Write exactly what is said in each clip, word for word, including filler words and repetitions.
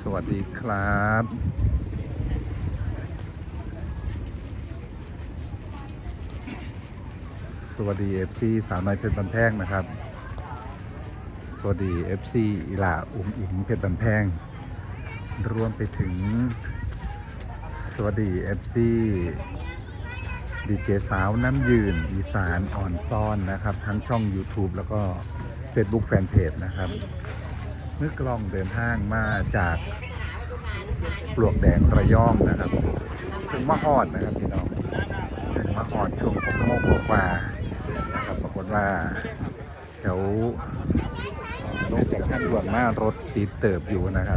สวัสดีครับสวัสดี เอฟ ซี สาวน้อยเพชรบันแพงนะครับสวัสดี เอฟ ซี อิหล่าอุ้มอิงเพชรบันแพงรวมไปถึงสวัสดี เอฟ ซี ดีเจสาวน้ำยืนอีสานอ่อนซ่อนนะครับทั้งช่อง YouTube แล้วก็ Facebook Fanpage นะครับเมื่อกล้องเดินทางมาจากปลวกแดงระยองนะครับถึงมะฮอดนะครับพี่น้องถึงมะฮอดช่วงหกโมงกว่านะครับปรากฏว่าแถวลงจากทางด่วนมารถติดเติบอยู่นะครับ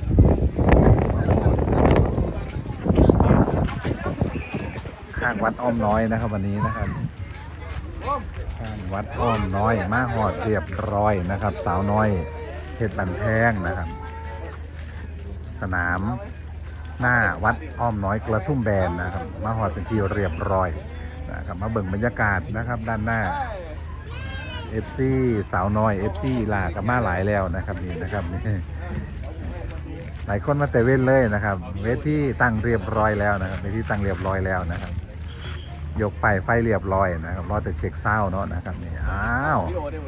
ข้างวัดอ้อมน้อยนะครับวันนี้นะครับข้างวัดอ้อมน้อยมาฮอดเรียบร้อยนะครับสาวน้อยเพชรบันแพงนะครับสนามหน้าวัดอ้อมน้อยกระทุ่มแบนนะครับมาฮอดเป็นที่เรียบร้อยนะครับมาเบิ่งบรรยากาศนะครับด้านหน้า เอฟ ซี สาวน้อย เอฟ ซี ลากับมาหลายแล้วนะครับนี่นะครับนี่หลายคนมาแต่เว้นเลยนะครับเวทีตั้งเรียบร้อยแล้วนะครับเวทีตั้งเรียบร้อยแล้วนะครับยกไปไฟเรียบร้อยนะครับรอแต่เช็คเศร้าเนาะนะครับนี่อ้าว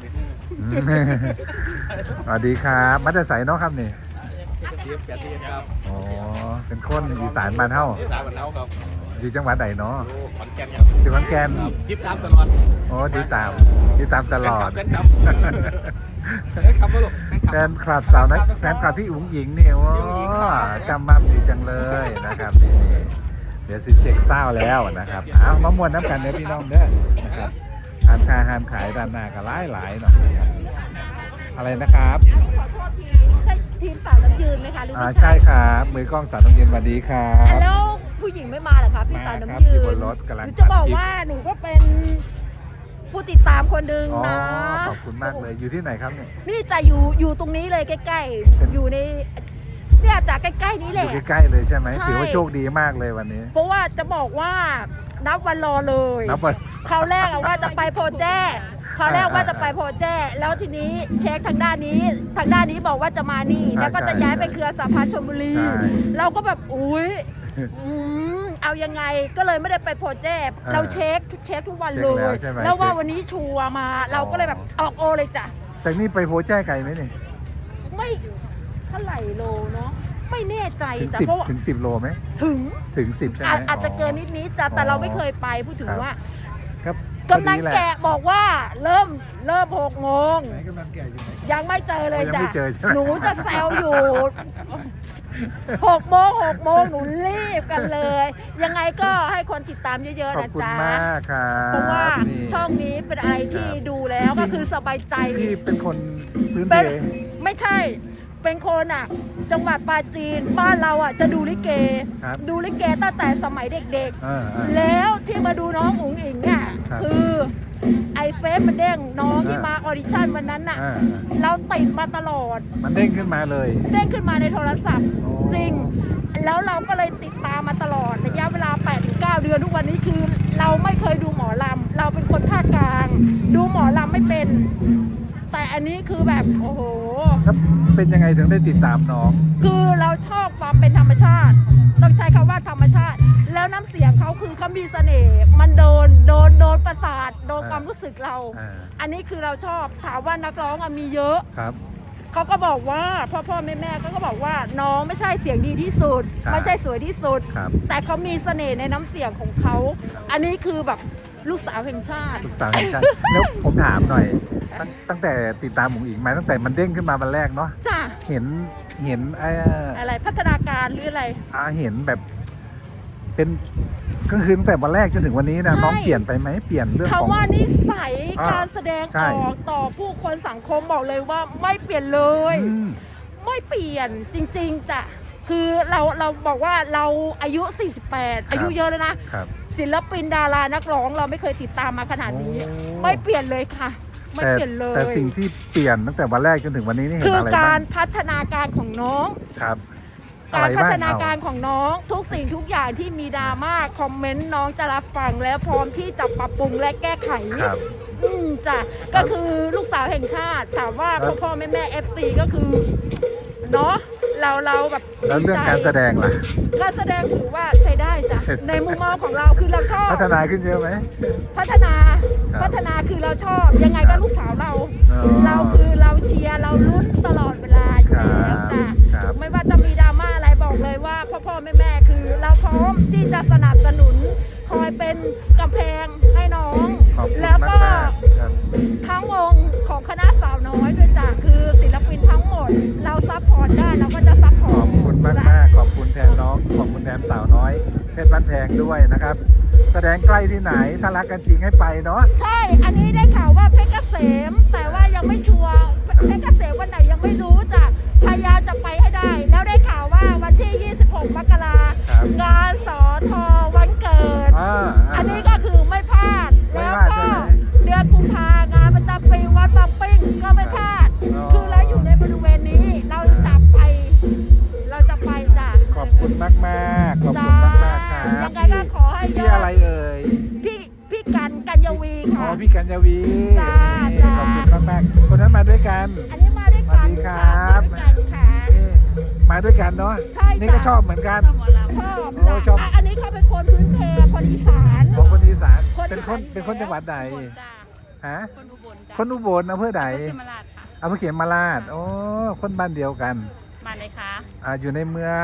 สวัสดีครับมาแต่ใสเนาะครับนี่อ๋อเป็นคนอีสานบ้านเฮาอีสานบ้านเฮาครับอยู่จังหวัดไหนเนาะขอนแก่นครับอยู่ขอนแก่นติดตามตลอดโอ้ติดตามติดตามตลอดแฟนคลับแฟนคลับแฟนคลับลูกแฟนคลับสาวนักแฟนคลับพี่อุ๋งหญิงเนี่ยโอ้จำมั่มดีจังเลยนะครับนี่เดี๋ยวสิเช็คเศร้าแล้วนะครับเอามามวนน้ำกันเด้อพี่น้องเด้อนะครับทานคาหานขายด้านหน้าก็หลายหลายหน่อยนะครับอะไรนะครับขอโทษทีใช่ทีมสาวน้ำยืนไหมคะหรือไม่ใช่ครับมือกล้องสาวน้ำเย็นสวัสดีครับแล้วผู้หญิงไม่มาเหรอคะพี่สาวน้ำยืนอยู่บนรถกำลังจะบอกว่าหนูก็เป็นผู้ติดตามคนหนึ่งนะขอบคุณมากเลยอยู่ที่ไหนครับเนี่ยนี่จะอยู่อยู่ตรงนี้เลยใกล้ๆอยู่ในเนี่ยจากใกล้ๆนี้แหละอยู่ใกล้ๆเลยใช่ไหมถือว่าโชคดีมากเลยวันนี้เพราะว่าจะบอกว่านับวันรอเลยนับวันคราวแรกว่าจะไปโพแจ้คราวแรกว่าจะไปโพแจ้แล้วทีนี้เช็คทางด้านนี้ทางด้านนี้บอกว่าจะมานี่แล้วก็จะย้ายไปเครือสาพัฒน์ชลบุรีเราก็แบบอุ้ยเอายังไงก็เลยไม่ได้ไปโพแจ้เราเช็คเช็คทุกวันเลยแล้วว่าวันนี้ชัวร์มาเราก็เลยแบบออกโอเลยจ้ะจากนี้ไปโพแจ้ไกลไหมนี่ไม่เท่าไหร่โลเนาะไม่แน่ใจแต่เพราะถึงสิบโลไหมถึงถึงสิบใช่ไหมอาจจะเกินนิดนิดแต่เราไม่เคยไปพูดถึงว่าครับกำลังแกะบอกว่าเริ่มเริ่มหกโมงยังไม่เจอเลยจ้ะหนูจะแซวอยู่หกโมงหกโมงหนูรีบกันเลยยังไงก็ให้คนติดตามเยอะๆนะจ๊ะเพราะว่าช่องนี้เป็นอะไรที่ดูแล้วก็คือสบายใจที่เป็นคนพื้นเพไม่ใช่เป็นคนอ่ะจังหวัดปราจีนบ้านเราอ่ะจะดูลิเกดูลิเกตั้งแต่สมัยเด็กๆแล้วที่มาดูน้องอุ๋งอิงเนี่ยคือไอเฟซมันเด้งน้องที่มาออดิชั่นวันนั้นน่ะเราติดมาตลอดมันเด้งขึ้นมาเลยเด้งขึ้นมาในโทรศัพท์จริงแล้วเราก็เลยติดตามมาตลอดระยะเวลา แปดถึงเก้า เดือนทุกวันนี้คือเราไม่เคยดูหมอลำเราเป็นคนภาคกลางดูหมอลำไม่เป็นแต่อันนี้คือแบบโอ้โหเป็นยังไงถึงได้ติดตามน้องคือเราชอบความเป็นธรรมชาติต้องใช้คำว่าธรรมชาติแล้วน้ำเสียงเขาคือเขามีเสน่ห์มันโดนโดนโดนประสาทโดนความรู้สึกเราอันนี้คือเราชอบถามว่านักร้องมีเยอะครับเขาก็บอกว่าพ่อพ่อแม่แม่เขาก็บอกว่าน้องไม่ใช่เสียงดีที่สุดไม่ใช่สวยที่สุดแต่เขามีเสน่ห์ในน้ำเสียงของเขาอันนี้คือแบบลูกสาวแห่งชาติลูกสาวแห่งชาติแล้วผมถามหน่อยตั้งแต่ติดตามหมูอิงมาตั้งแต่มันเด้งขึ้นมาวันแรกเนาะจ้ะเห็นเห็นอะไรพัฒนาการหรืออะไรอ่าเห็นแบบเป็นก็คือตั้งแต่วันแรกจนถึงวันนี้นะน้องเปลี่ยนไปไหมเปลี่ยนเรื่องของคำว่านิสัยการแสดงออกต่อผู้คนสังคมบอกเลยว่าไม่เปลี่ยนเลยไม่เปลี่ยนจริงๆจ้ะคือเราเราบอกว่าเราอายุสี่สิบแปดอายุเยอะแล้วนะศิลปินดารานักร้องเราไม่เคยติดตามมาขนาดนี้ไม่เปลี่ยนเลยค่ะไม่เปลี่ยนเลยแต่สิ่งที่เปลี่ยนตั้งแต่วันแรกจนถึงวันนี้นี่เห็นอะไรบ้างคือการพัฒนาการของน้องครับการพัฒนาการของน้องทุกสิ่งทุกอย่างที่มีดราม่าคอมเมนต์น้องจะรับฟังและพร้อมที่จะปรับปรุงและแก้ไขอืมจ้ะก็คือลูกสาวแห่งชาติถามว่าพ่อพ่อแม่แม่เอฟซีก็คือเนาะเราเราแบบแล้วเรื่องการแสดงล่ะการแสดงถือว่าใช้ได้จ้ะใช้ได้ในมุมมองของเราคือเราชอบพัฒนาขึ้นเยอะไหมพัฒนาครับพัฒนาคือเราชอบยังไงก็ลูกสาวเราอ๋อเราคือเราเชียร์เราลุ้นตลอดเวลาอยู่แล้วจ้ะครับไม่ว่าจะมีดราม่าอะไรบอกเลยว่าพ่อพ่อแม่แม่คือเราพร้อมที่จะสนับสนุน คอยเป็นกำแพงให้น้องขอบคุณแล้วมากก็มากๆครับทั้งวงของคณะสาวน้อยด้วยจ้ะคือศิลปินทั้งหมด เราซัพพอร์ตได้เราก็จะซัพพขออร์บตคุณมากมากๆขอบคุณแทนน้อง ขอบคุณแทนสาวน้อยเพชรบ้านแพงด้วยนะครับ แสดงใกล้ที่ไหน ถ้ารักกันจริงให้ไปเนาะใช่ อันนี้ได้ข่าวว่าเพชรเกษม แต่ว่ายังไม่ชัวร์เพชรเกษมวันไหนยังไม่รู้จ้ะพยายามจะไปให้ได้ แล้วได้ข่าวว่าวันที่ ยี่สิบหก มกราครับงานสอทอวันเกิดอ่าอันนี้ก็คือไม่พลาดไม่แล้วพลาดก็ใช่ไหมเดือนกุมภางานประจำปีวัดบางปิ้งก็ไม่พลาดอ๋อคือเราอยู่ในบริเวณนี้ เราจะไป เราจะไปจ้ะขอบคุณมากมากๆขอบคุณมากมากๆครับยังไงก็ขอให้ยพี่ออะไรดเอ่ยพี่พี่กันกัญญวีอ๋อค่ะพี่กัญญาวีจ้านี่จ้าขอบคุณมากมากๆคนนั้นมาด้วยกันอันนี้มาด้วยกันสวัสดีครับมาด้วยกันค่ะนี่มาด้วยกันเนาะใช่นี่จ้ะก็ชอบเหมือนกันชอบโอ้ชอบจ้ะะอันนี้เขาเป็นคนพื้นเพคนอีสานของคนอีสานคนเป็นคนอีสานเป็นคนจังหวัดใดจ้าฮะคนอุบลจ้าคนอุบลอำเภอใดเขมราชค่ะอำเภอเขมราชโอ้คนบ้านเดียวกันมาเลยค่ะอ่าอยู่ในเมือง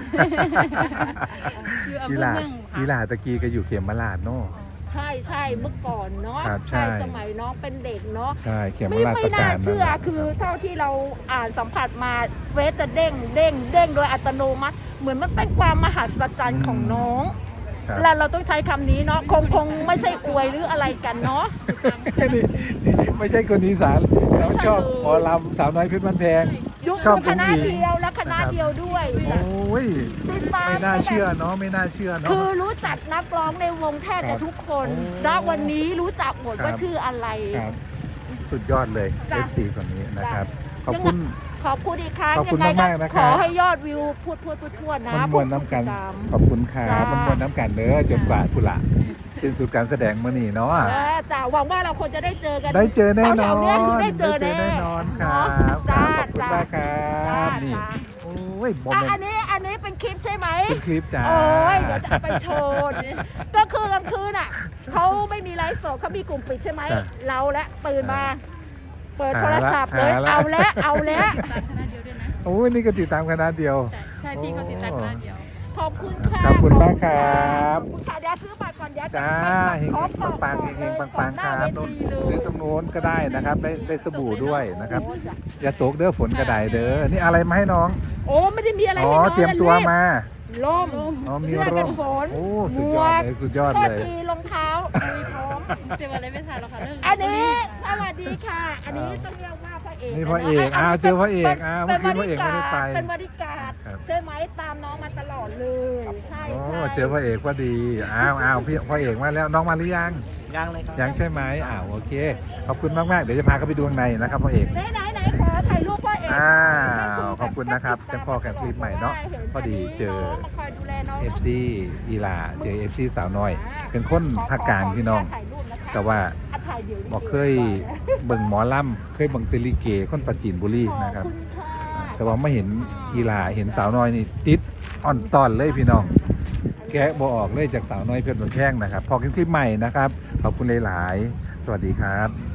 อยู่อำเภอีอหลาเมืองค่ะอีหลาตะกี้ก็อยู่เขมราชเนาะใช่ใช่เมื่อก่อนเนาะครับใช่สมัยน้องเป็นเด็กเนาะใช่เขมไม่ราชไม่ประน่ากาศเชื่อนั่นแหละคือรับเท่าที่เราอ่านสัมผัสมาเวสจะเด้งเด้งเด้งโดยอัตโนมัติ เหมือนมันเป็นความมหัศจรรย์ของน้องครับแล้วเราต้องใช้คำนี้เนาะคงคงไม่ใช่อวยหรืออะไรกันเนาะนี่ไม่ใช่คนอีสานเขาไม่ใช่ชอบเลยหมอลำสาวน้อยเพชรบ้านแพงยุคชอบคณะอุ้งอิงเดียวและคณะนะครับเดียวด้วยโอ้ยติดตามไม่น่าเชื่อเนาะไม่น่าเชื่อเนาะคือรู้จักนักร้องในวงแทบครัจะบทุกคนโอ้ณวันนี้รู้จักหมดครับว่าชื่ออะไรครับ สุดยอดเลยจ้ะเอฟ ซี คนนี้นะครับ ขอบคุณขอบคุณอีกครั้งขอบคุณยังไงมากๆนะคขรับอให้ยอดวิวพูดพูดพูดพูดนะมันมวนน้ำกันผู้ติดตามขอบคุณครัจ้าบมันมวนน้ำกันเด้อจนกว่ากุละสิ้นสุดการแสดงมื่อนี้เนาะเออจ้าหวังว่าเราคงจะได้เจอกันได้เจอแน่นอแถนวๆเนี้ยคือได้เจอได้แน่แน่นอนครับเนาะคจ้ารับขอบคุณจ้ามากครัจ้าบนี่จ้าโอ้ยบอมอ่ะเมนอันนี้อันนี้เป็นคลิปใช่ไหมเป็นคลิปจ้าโอ้ยเดี๋ยวจะเอาไปโชว์ก็คือกลางคืนอ่ะเขาไม่มีไลฟ์สดเขามีกลุ่มปิดใช่ไหมจ้ะเราและตื่นมา เปิดหาโทรศัพท์เลยหาละเอาแล้วเอาแล้วตามคณะเดียวด้วยนะโอ้ยนี่ก็ติดตามคณะเดียวใช่ใช่พี่เขาติดตามคณะเดียวขอบคุณค่ะขอบคุณมากครับขอบคุณค่ะเดี๋ยวซื้อบัตรก่อนเดี๋ยวจะจ้าไปเฮงขอๆปังปังๆเฮงๆปังปังๆครับก่อนหน้าเวทีเลยซื้อตรงโน้นก็ได้นะครับได้ได้สบู่ด้วยนะครับโอ้จ้ะอย่าตกเด้อฝนกระไดเด้อนี่อะไรมาให้น้องโอ้ไม่ได้มีอะไรอ๋อให้น้องเตรียมตัวมาล่มอ๋อมีเสื้อร่กัมนฝนโอ้สุดยอดเลยสุดยอดข้อเลยทีรองเท้ามีพร้อมเดี๋ยวอะไรไม่ทันหรอกค่ะเรื่องอันนี้สวัสดีค่ะ อันนี้ต้องเรียกว่าพระเอกนี่พระเอกอ้าวเจอพระเอกอ้าวเมื่อคืนพระเอกไม่ได้ไปเป็นบริการดครับใช่ไหมตามน้องมาตลอดเลยใช่โอ้ใช่เจอพระเอกพอดีอ้าวอ้าวพี่พระเอกมาแล้วน้องมาหรือยังยังเลยครับยังใช่ไหมอ้าวโอเคขอบคุณมากมากๆเดี๋ยวจะพาเขาไปดูข้างในนะครับพระเอกไหนไหนไหนขอถ่ายรูปพ่อเอกอ้าวขอบคุณนะครับจะพอกันคลิปใหม่เนาะพอดีเจอมาคอยดูแลน้องเอฟซีอีหลาเจอเอฟซีสาวน้อย เป็นคนภาคกลางพี่น้อง แต่ว่าบอกเคยเบิ่งหมอลำเคยเบิ่งเตลิเกคนปราจีนบุรีนะครับ แต่ว่าไม่เห็นอีหลาเห็นสาวน้อยนี่ติดอ่อนตอนเลยพี่น้อง แกะบอออกเลยจากสาวน้อยเพชรบุญแพงนะครับ พอกันคลิปใหม่นะครับ ขอบคุณหลายๆ สวัสดีครับ